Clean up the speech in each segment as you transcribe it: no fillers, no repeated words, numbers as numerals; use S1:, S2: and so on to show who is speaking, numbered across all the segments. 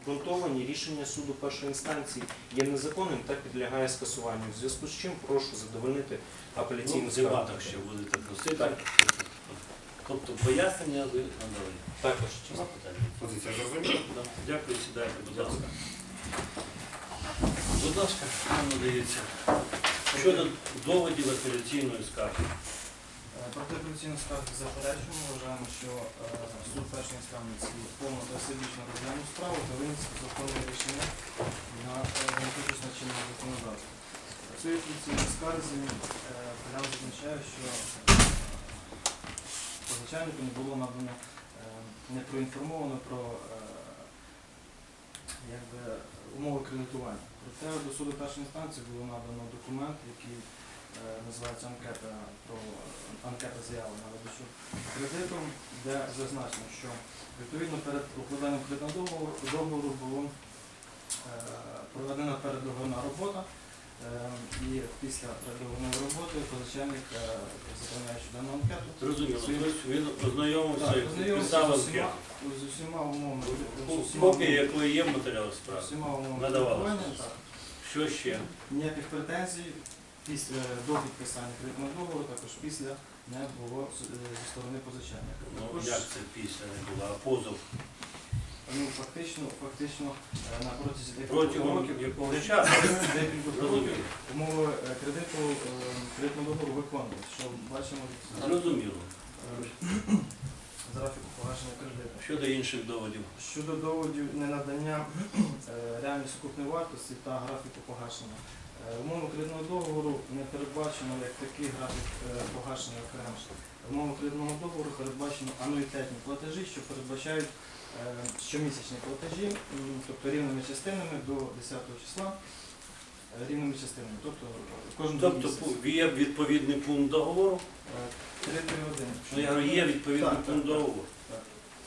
S1: обґрунтовані, рішення суду першої інстанції є незаконним та підлягає скасуванню. В зв'язку з чим прошу задовольнити апеляційну
S2: В
S1: скаргу.
S2: дебатах ще будете просити.
S1: Так.
S2: Тобто пояснення ви надали.
S1: Також.
S2: Нема питань?
S3: Позиція зрозуміла?
S2: Да. Дякую, сідайте, будь ласка. Будь ласка, вам надається. Щодо доводів апеляційної скарги.
S4: Проти апеляційної скарги заперечуємо. Вважаємо, що суд першої інстанції повно та всебічно розглянув справу та виніс законне рішення на демократично чинного законодавства. В цій апеляційній скарзі апелянт зазначає, що позичальнику не було надано, не проінформовано про умови кредитування. Проте до суду першої інстанції було надано документ, який називається анкета заяви на видачу кредиту, де зазначено, що відповідно перед укладанням кредитного договору була проведена передоговорна робота, і після передоговорної роботи позичальник, заповняючи дану анкету,
S2: Зрозуміло. Тобто він ознайомився і
S4: ознайомився
S2: підписав
S4: з
S2: анкету.
S4: усіма умовами.
S2: Копія якої є в матеріалах справи.
S4: Усіма умовами
S2: Надавалося.
S4: кредитування, так.
S2: Що ще?
S4: Ніяких претензій до підписання кредитного договору, також після не було зі сторони позичальника.
S2: Ну,
S4: Також,
S2: як це після не було? А позов?
S4: Фактично на протязі
S2: Протягом
S4: років
S2: якого часу?
S4: декілька років
S2: Зрозуміло.
S4: умови кредитного договору виконують, що бачимо
S2: Зрозуміло.
S4: з графіку погашення кредиту.
S2: Щодо інших доводів.
S4: Щодо доводів ненадання реальної сукупної вартості та графіку погашення. Умови кредитного договору не передбачено як такий графік погашення окремо. Умови кредитного договору передбачено ануїтетні платежі, що передбачають щомісячні платежі, тобто рівними частинами до 10 числа, рівними частинами, тобто кожен
S2: Тобто
S4: місяць.
S2: є відповідний пункт договору?
S4: 3 години.
S2: Ну, я говорю, є відповідний
S4: Так,
S2: пункт
S4: так,
S2: договору.
S4: так.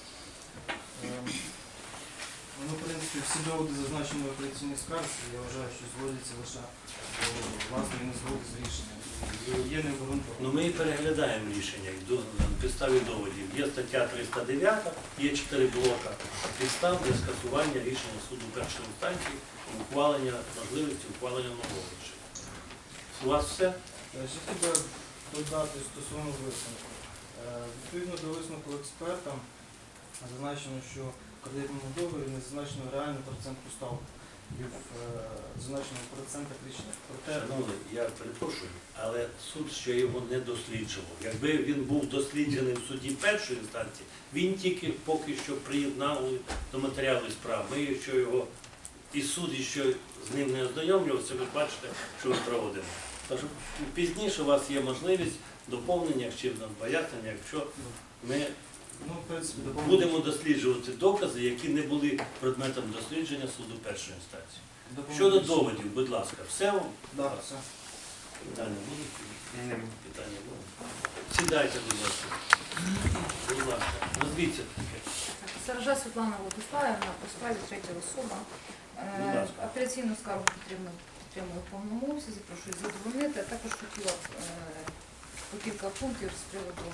S4: Ну, в принципі, всі доводи зазначені в апеляційній скарзі, я вважаю, що зводяться лише до власної незгоди з рішенням. Є необґрунтовані.
S2: Ну, ми і переглядаємо рішення на підставі доводів. Є стаття 309, є 4 блока підстав для скасування рішення суду першої інстанції, можливості ухвалення нового рішення. У вас все?
S4: Ще хотів би додати стосовно висновку. Відповідно до висновку експерта, зазначено, що в кредитному договорі не зазначено реальну процентну ставку і в зазначеному процентах рішення.
S2: Шановний, я перепрошую, але суд ще його не досліджував. Якби він був досліджений в суді першої інстанції, він тільки поки що приєднали до матеріалу справ. Ми ще його і суд ще з ним не ознайомлювався, ви бачите, що ми проводимо. Тож пізніше у вас є можливість доповнення чи пояснення, якщо ми
S4: в принципі,
S2: будемо досліджувати докази, які не були предметом дослідження суду першої інстанції. Щодо доводів, будь ласка, все?
S4: Так, все.
S2: Питання будуть? Питання будуть? Сідайте, будь ласка. Будь ласка, назвіться таке.
S5: Саржа Світлана Владиславівна, по справі третя особа.
S2: Будь ласка.
S5: Апеляційну скаргу підтримую в повному обсязі, прошу її задовольнити. А також хотіла б по кілька пунктів з приводу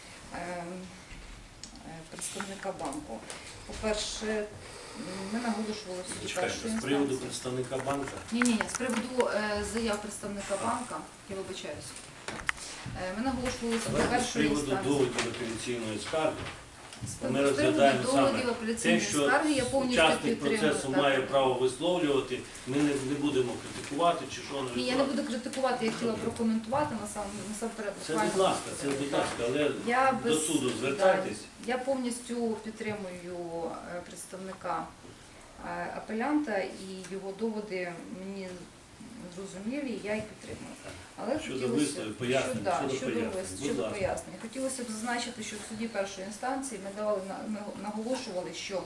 S5: представника банку. По-перше, ми наголошували в суді
S2: Чекайте,
S5: першої
S2: з приводу
S5: інстанції.
S2: представника банка.
S5: Ні, з приводу заяв представника банка, я вибачаюсь. Ми наголошували в суді
S2: Давайте з
S5: першої
S2: приводу
S5: інстанції.
S2: доводів апеляційної скарги. Ми
S5: З приводу
S2: розглядаємо
S5: доводів
S2: саме
S5: апеляційної
S2: те, що
S5: скарги я повністю
S2: учасник
S5: підтримую.
S2: процесу
S5: так.
S2: має право висловлювати, ми не будемо критикувати чи що
S5: Ні, я не буду критикувати, я хотіла прокоментувати насамперед.
S2: Це будь ласка, але
S5: Я
S2: до суду звертайтесь.
S5: Я повністю підтримую представника апелянта і його доводи мені зрозумілі, я їх підтримую. Але
S2: Щодо висловів, пояснень,
S5: щодо пояснень. Хотілося б зазначити, що в суді першої інстанції ми наголошували, що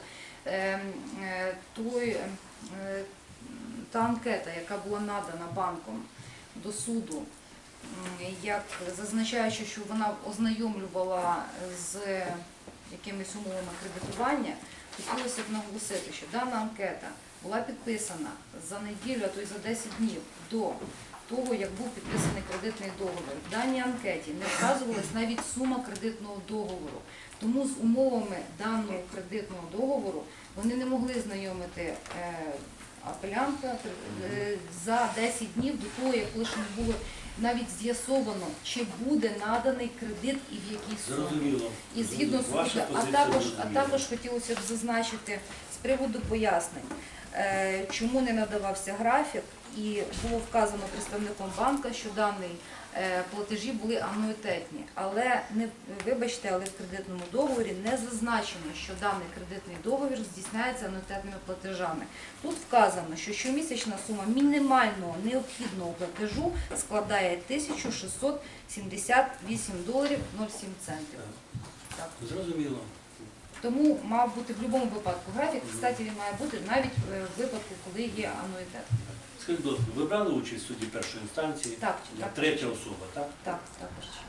S5: та анкета, яка була надана банком до суду, як зазначаючи, що вона ознайомлювала з якимись умовами кредитування, хотілося б наголосити, що дана анкета була підписана за неділю, а то й за 10 днів до того, як був підписаний кредитний договір. В даній анкеті не вказувалась навіть сума кредитного договору. Тому з умовами даного кредитного договору Вони не могли знайомити апелянта за 10 днів до того, як лише не було навіть з'ясовано, чи буде наданий кредит і в якій сумі.
S2: Зрозуміло.
S5: І згідно з
S2: Ваша
S5: а
S2: позиція
S5: також
S2: зрозуміла.
S5: хотілося б зазначити з приводу пояснень, чому не надавався графік, і було вказано представником банка, що дані платежі були ануїтетні. Але вибачте, але в кредитному договорі не зазначено, що даний кредитний договір здійсняється ануїтетними платежами. Тут вказано, що щомісячна сума мінімального необхідного платежу складає $1678.07. Так.
S2: Зрозуміло.
S5: Тому мав бути в будь-якому випадку графік. Кстати, він має бути навіть в випадку, коли є ануїтет.
S2: Скажіть, будь ласка, ви брали участь в суді першої інстанції?
S5: Так,
S2: Як
S5: так.
S2: третя особа, так?
S5: Так, також час.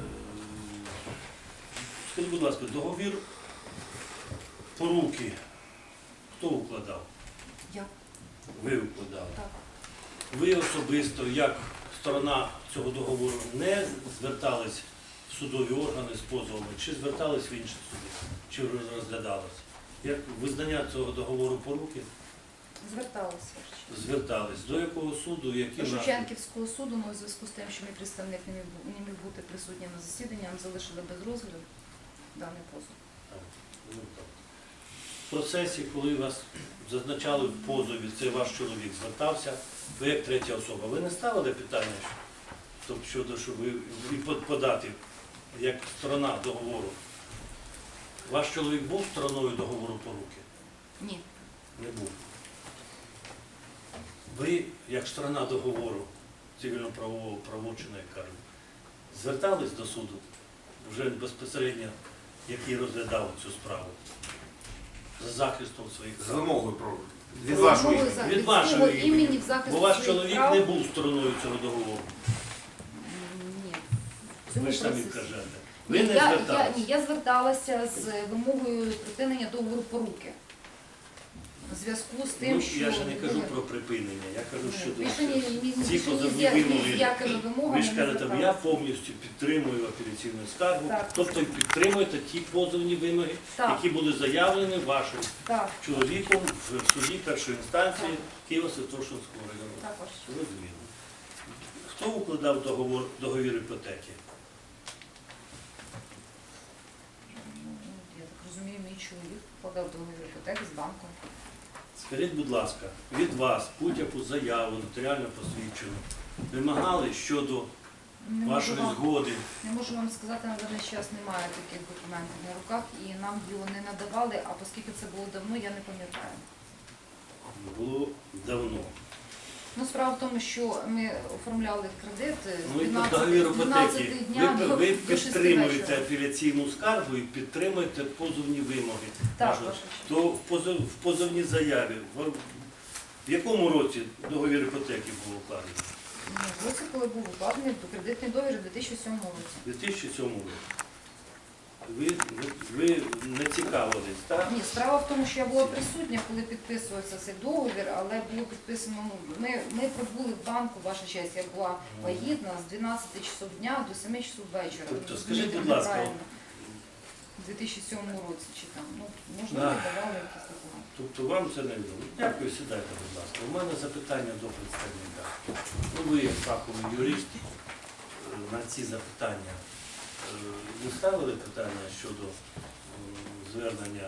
S2: Скажіть, будь ласка, договір поруки хто укладав?
S5: Я
S2: Ви укладали.
S5: так.
S2: Ви особисто, як сторона цього договору, не звертались в судові органи з позовами, чи звертались в інші суди, чи розглядалось? Як визнання цього договору поруки?
S5: Зверталися.
S2: Звертались. До якого суду, які
S5: До
S2: наслідки?
S5: Шевченківського суду, але у зв'язку з тим, що мій представник не міг бути присутнім на засіданні, нам залишили без розгляду даний позов.
S2: Ну, так. В процесі, коли вас зазначали в позові, це ваш чоловік звертався, ви як третя особа, ви не ставили питання, тобто щодо, щоб ви і подати, як сторона договору? Ваш чоловік був стороною договору поруки?
S5: Ні.
S2: Не був. Ви, як сторона договору цивільно-правового правочину, як кажуть, звертались до суду вже безпосередньо, який розглядав цю справу, за захистом своїх
S3: З
S2: прав?
S3: вимогою про від
S5: Вимогою
S3: вашої.
S5: за-
S2: Від
S5: від
S2: вашого
S5: свого
S2: імені.
S5: імені в захист
S2: Бо ваш
S5: своїх
S2: чоловік
S5: прав.
S2: не був стороною цього договору.
S5: Ні. В цьому
S2: Ви ж самі
S5: процесі.
S2: кажете. Ви
S5: Ні,
S2: не
S5: я
S2: зверталися.
S5: зверталася з вимогою припинення договору поруки. У зв'язку з тим,
S2: Ну,
S5: що
S2: я ж не кажу про припинення, я кажу, що
S5: більше ні
S2: ці
S5: з
S2: позовні
S5: якими
S2: вимоги.
S5: вимогами
S2: Ви ж
S5: не
S2: кажете, я
S5: зверталася.
S2: повністю підтримую апеляційну скаргу,
S5: Так.
S2: тобто підтримуєте ті позовні вимоги,
S5: Так.
S2: які були заявлені вашим
S5: Так,
S2: чоловіком в суді першої інстанції Києво-Святошинського району.
S5: також.
S2: Зрозуміло. Хто укладав договір іпотеки?
S5: Я так розумію, мій чоловік подав договір іпотеки з банком.
S2: Скажіть, будь ласка, від вас будь-яку заяву, нотаріально посвідчену, вимагали щодо
S5: Не можу
S2: вашої
S5: вам-
S2: згоди?
S5: Не можу вам сказати, на даний час немає таких документів на руках і нам його не надавали, а оскільки це було давно, я не пам'ятаю.
S2: Було давно.
S5: Ну, справа в тому, що ми оформляли кредит з
S2: Ну і
S5: 12,
S2: договір
S5: 12
S2: іпотеки.
S5: дня
S2: Ви
S5: до 6
S2: підтримуєте
S5: вечора.
S2: апеляційну скаргу і підтримуєте позовні вимоги.
S5: Так,
S2: вашого.
S5: ваша честь.
S2: То в позовній заяві, в якому році договір іпотеки був укладений?
S5: Ну, році, коли був укладений кредитний договір у 2007 році.
S2: У 2007 році. Ви не цікавились, так?
S5: Ні, справа в тому, що я була присутня, коли підписувався цей договір, але було підписано, ми прибули в банку, ваша честь, я була вагітна з 12 часов дня до 7 часов вечора.
S2: Тобто,
S5: Ви
S2: скажіть,
S5: розумієте,
S2: будь ласка,
S5: неправильно. У 2007 році чи там, ну, можливо,
S2: Да.
S5: давали якісь документи.
S2: Тобто вам це не відомо. Дякую, сідайте, будь ласка. У мене запитання до представника. Ну, ви як фаховий юрист на ці запитання не ставили питання щодо звернення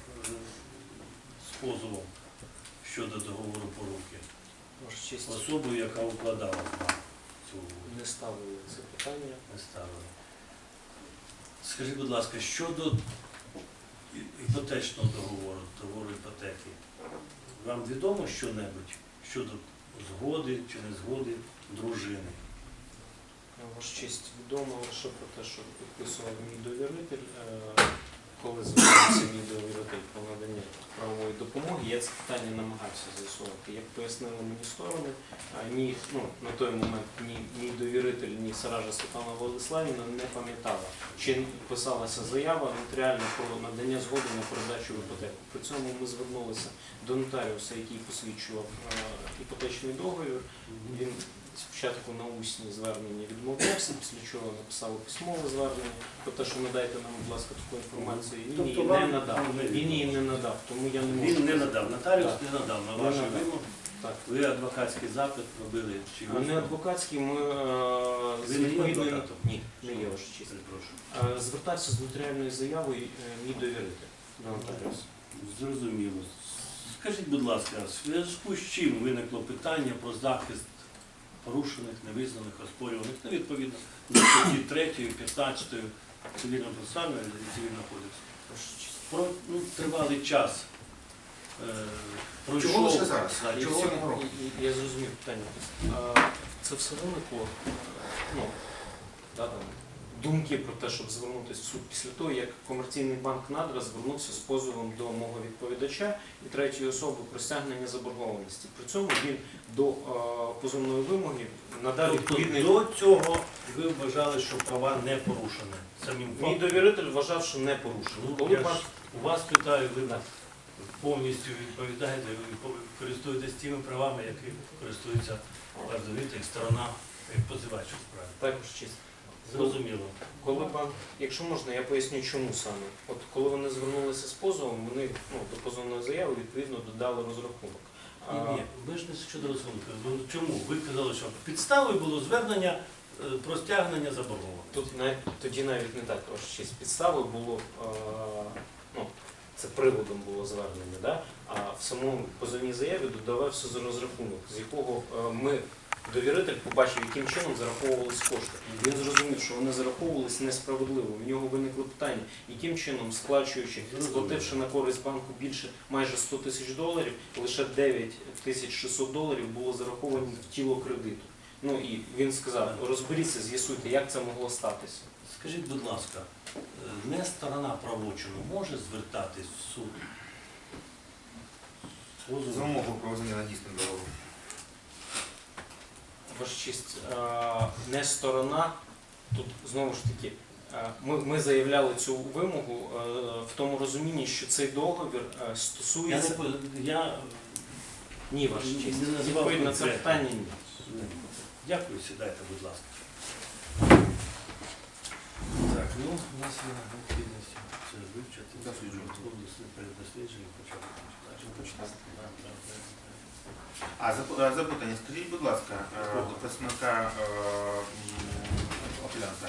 S2: з позовом щодо договору поруки
S1: Ваша честь,
S2: особою, яка укладала вам цю угоду?
S1: не ставили це питання.
S2: Не ставили. Скажіть, будь ласка, щодо іпотечного договору іпотеки, вам відомо що-небудь щодо згоди чи не згоди дружини?
S1: Ваша честь, відомо лише про те, що підписував мій довіритель, коли звернувся мій довіритель по наданню правової допомоги, я це питання намагався з'ясувати. Як пояснили мені сторони, на той момент ні мій довіритель, ні Саража Світлана Владиславівна не пам'ятала, чи писалася заява нотаріально про надання згоди на передачу в іпотеку. При цьому ми звернулися до нотаріуса, який посвідчував іпотечний договір. Він спочатку на усні звернення відмовлявся, після чого написали письмове звернення про те, що надайте нам, будь ласка, таку інформацію. він
S2: Тобто
S1: її не
S2: вам
S1: надав.
S2: не
S1: Він її
S2: відомо.
S1: не надав, тому я не можу.
S2: Він не надав, нотаріус
S1: Так.
S2: не надав на
S1: Не
S2: вашу
S1: надав.
S2: вимогу.
S1: Так.
S2: Ви адвокатський запит робили чи
S1: А не
S2: усно?
S1: адвокатський, ми з
S2: Ви не є
S1: відповідною...
S2: адвокатом?
S1: Ні, не є ваша честь.
S2: Перепрошую.
S1: Звертався з нотаріальною заявою мій довіритель до нотаріуса.
S2: Зрозуміло. Скажіть, будь ласка, в зв'язку з чим виникло питання про захист порушених, невизнаних, оспорюваних, ну, відповідно, до статті 3, 15 Цивільного процесуального і Цивільного кодексу?
S1: Ваша честь.
S2: Про тривалий час пройшов.
S3: Чого лише зараз?
S2: Да,
S1: І
S2: чого
S1: всього-
S2: цього року?
S1: Я зрозумів питання. Це все виникло, ну, да, там, думки про те, щоб звернутися в суд після того, як комерційний банк «Надра» звернувся з позовом до мого відповідача і третьої особи про стягнення заборгованості. При цьому він до позовної вимоги надав
S2: Тобто
S1: відповідний...
S2: до цього ви вважали, що права не порушені самим
S1: Мій
S2: фактом?
S1: довіритель вважав, що не порушено.
S2: Ну,
S1: Коли
S2: я ж
S1: банк...
S2: у вас питаю, ви повністю відповідаєте, ви користуєтесь тими правами, які користується ваш довіритель, сторона, як позивач у справі.
S1: Також честь.
S2: Зрозуміло.
S1: Коли банк, якщо можна, я поясню, чому саме. От коли вони звернулися з позовом, вони до позовної заяви відповідно додали розрахунок.
S2: Ні, ви ж не щодо розрахунку. Ну, чому? Ви казали, що підставою було звернення про стягнення заборгованості.
S1: Тоді навіть не так, ваша честь. Підставою було, це приводом було звернення, да? А в самому позовній заяві додавався розрахунок, з якого ми, довіритель, побачив, яким чином зараховувались кошти. Він зрозумів, що вони зараховувались несправедливо. В нього виникло питання, яким чином, сплачуючи, сплативши на користь банку більше майже $100 тисяч, лише $9600 було зараховані в тіло кредиту. Ну і він сказав, розберіться, з'ясуйте, як це могло статися.
S2: Скажіть, будь ласка, не сторона правочину може звертатись в суд?
S3: За умовою проведення надійсним договору.
S1: Ваша честь, не сторона, тут знову ж таки, ми заявляли цю вимогу в тому розумінні, що цей договір стосується... Ні, ваша честь,
S2: не називав
S1: відповідь на це
S2: конкретно.
S1: питання ні.
S2: Дякую, сідайте, будь ласка. Так, ну, у нас є необхідність це вивчити, перед дослідженням почати.
S3: Запитання. Скажіть, будь ласка, до представника апелянта.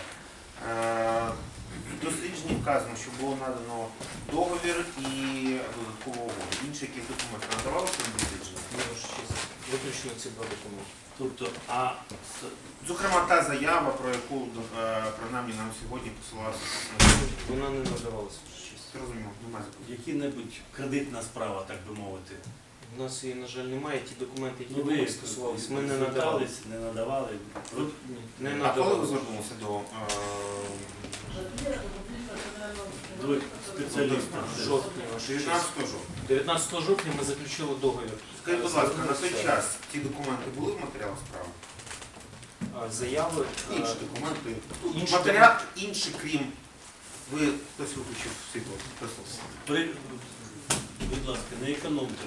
S3: В дослідженні вказано, що було надано договір і додаткову угоду. Інші якісь документи надавалися на дослідження?
S1: Ні, ваша честь, виключно ці два документи.
S2: Тобто,
S3: Зокрема, та заява, про яку принаймні нам сьогодні посилався.
S1: Вона не надавалася, ваша честь.
S3: Зрозуміло, немає запитань.
S2: які-небудь кредитна справа, так би мовити.
S1: У нас її, на жаль, немає. Ті документи, які
S2: Ну,
S1: були
S2: ви
S1: стосувалися, ми не надавали.
S2: не надавали.
S1: Ні, не
S3: А коли ви
S1: надавали.
S3: звернулися до
S2: До спеціаліста.
S1: Жовтня, ваша честь.
S3: 19 жовтня?
S1: 19 жовтня ми заключили договір.
S3: Скажіть, будь ласка, на той час ті документи були в матеріалах справи?
S1: Заяви.
S3: Інші документи.
S1: Інші
S3: Матеріал інші, крім... Ви хтось виключив світло.
S2: Будь ласка, не економте.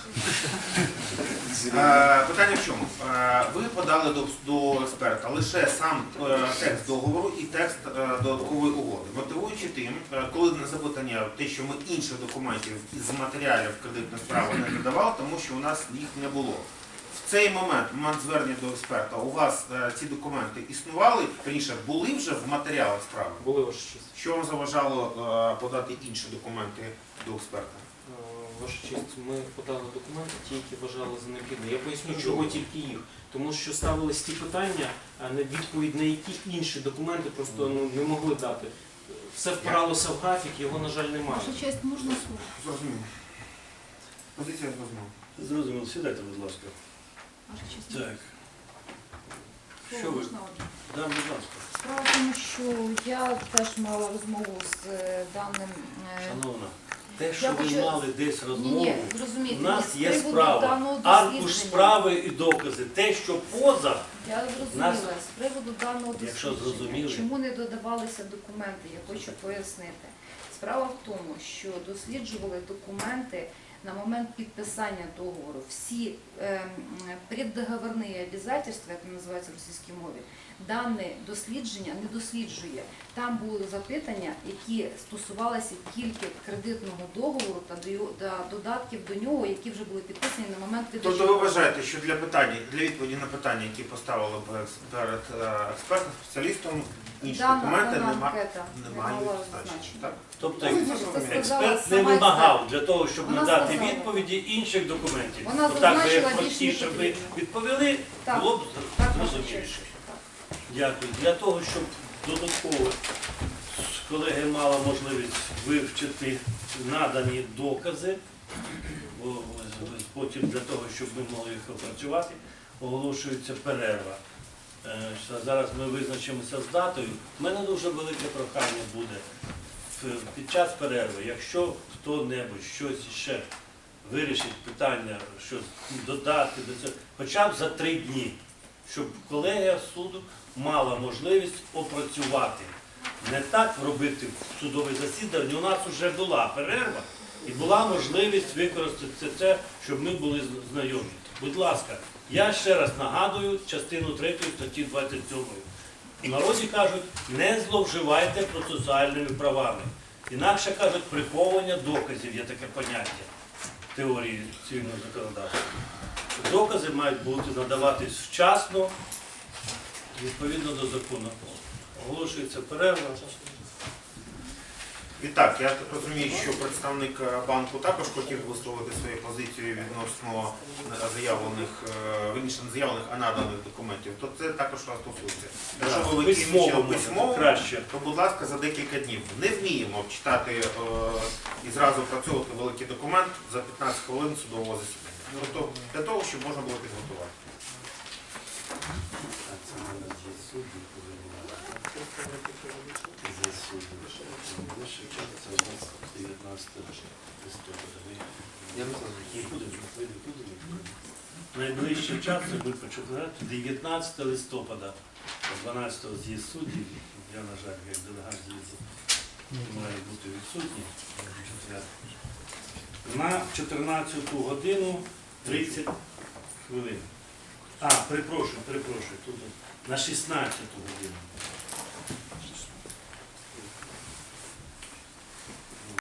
S3: Питання в чому? Ви подали до експерта лише сам текст договору і текст додаткової угоди. Мотивуючи тим, коли на запитання те, що ми інших документів із матеріалів кредитної справи не надавали, тому що у нас їх не було. В цей момент звернення до експерта, у вас ці документи існували, раніше були вже в матеріалах справи?
S1: Були, ваша честь.
S3: Що вам заважало подати інші документи до експерта?
S1: Ваша честь, ми подали документи, ті, які вважали за необхідне. Я поясню, чого тільки їх. Тому що ставились ті питання, на відповідь на які інші документи просто не могли дати. Все впиралося в графік, його, на жаль, немає.
S5: Ваша честь, можна слово?
S3: Зрозуміло. Позиція зрозуміла.
S2: Зрозуміло, сідайте, будь ласка.
S5: Ваша честь,
S2: Так,
S5: слово
S2: що ви?
S5: можна одне?
S2: Да, будь ласка.
S5: Справа в тому, що я теж мала розмову з даним...
S2: Шановна, те, що
S5: Я
S2: ви
S5: хочу-
S2: мали десь розмову,
S5: Ні, зрозумійте,
S2: у нас
S5: з
S2: є
S5: приводу
S2: справа,
S5: даного
S2: аркуш
S5: дослідження.
S2: справи і докази. Те, що поза,
S5: Я зрозуміла,
S2: Нас-
S5: з приводу даного
S2: Якщо
S5: дослідження,
S2: зрозуміли.
S5: чому не додавалися документи, я хочу пояснити. Справа в тому, що досліджували документи на момент підписання договору всі преддоговорні обов'язки, як це називається в російській мові, дане дослідження не досліджує. Там були запитання, які стосувалися тільки кредитного договору та додатків до нього, які вже були підписані на момент видачі.
S3: Тобто ви вважаєте, що для відповіді на питання, які поставили перед експертним спеціалістом, інші документи
S5: Дана
S3: не
S5: анкета не
S3: мають
S5: мала
S3: значення,
S5: значення.
S3: так?
S2: Тобто
S3: Ну,
S2: експерт не
S5: сама
S2: вимагав для того, щоб
S5: Вона
S2: надати
S5: сказала.
S2: відповіді інших документів.
S5: Вона
S2: Отак би
S5: зазначила,
S2: як
S5: більш не
S2: простіше ви
S5: потрібно.
S2: відповіли,
S5: Так,
S2: було б
S5: Так, ваша
S2: зрозуміліше.
S5: честь. Так.
S2: Дякую. Для того, щоб додатково колеги мали можливість вивчити надані докази, потім для того, щоб ми могли їх опрацювати, оголошується перерва. Зараз ми визначимося з датою. У мене дуже велике прохання буде під час перерви, якщо хто-небудь щось ще вирішить питання, щось додати до цього, хоча б за 3 дні, щоб колегія суду мала можливість опрацювати. Не так робити судове засідання. У нас вже була перерва і була можливість використати це, щоб ми були знайомі. Будь ласка, я ще раз нагадую частину 3 статті 27. У народі кажуть, не зловживайте процесуальними правами. Інакше кажуть, приховування доказів є таке поняття в теорії цивільного законодавства. Докази мають бути надаватись вчасно, відповідно до закону. Оголошується перерва.
S3: І так, я так розумію, що представник банку також хотів висловити свою позицію відносно заявлених, вірніше, не заявлених, а наданих документів, то це також вас стосується. Якщо ви
S2: Письмово
S3: виключили
S2: може,
S3: письмово,
S2: краще.
S3: то, будь ласка, за декілька днів. Не вміємо читати і зразу працювати великий документ за 15 хвилин судового засідання. Тобто для того, щоб можна було підготувати.
S2: Найближчий час це буде почати 19 листопада, 12 з'їзд суддів. Я, на жаль, як делегат з'їзду маю бути відсутній. На 14 годину 30 хвилин. Перепрошую, тут на 16